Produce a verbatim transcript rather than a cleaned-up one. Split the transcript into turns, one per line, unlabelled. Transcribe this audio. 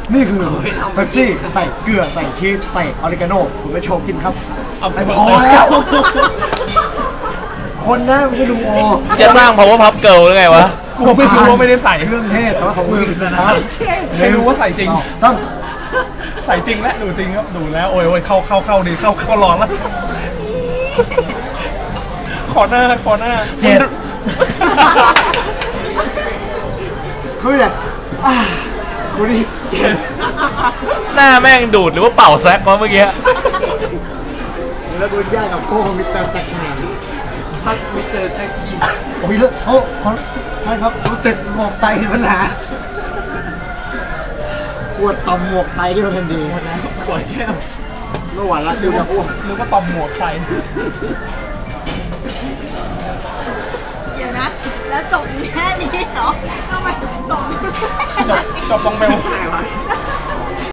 นี่คือเป๊ปซี่ใส่เกลือใส่ชีสใส่ออริกาโน่ผมไปโชว์กินครับเอาไปพอแล้วคนนะไม่ใช่ลุงโอ
จะสร้าง power puff girl หรือไงวะ
กูไม่รู้ว่าไม่ได้ใส่
เครื่องเทศแต่ว่าของมือนะครับ
ไม่รู้ว่าใส่จริง
ต้อง
ใส่จริงแล้วดูจริงครับดูแล้วโอ้ยโอ้ยเข้าเข้าเข้าดีเข้าเข้าร้อนแล้วขอหน้าขอหน้า
เจ็ดคุยเลยกูนี่เจ็ด
หน้าแม่งดูดหรือว่าเป่าแซกวะเมื่อกี้
แล้วกูแยกกับโก้มิสเตอร์แซกแมน
พักมิสเตอร์แซกกี้
โอ้ยแล้วโอ้ขอใช่ครับรู้สึกหมวกไตมีปัญหาปวดต่อมหมวกไตที่มันทันดี
หมดแล้วปวดแก้ว
เมื่อวานละดูจะอ้วก
นึกว่าต่อมหมวกไต
เดี๋ยวนะแล้วจบแค่นี้เหรอทำไมจบ
จบจบตรงเบล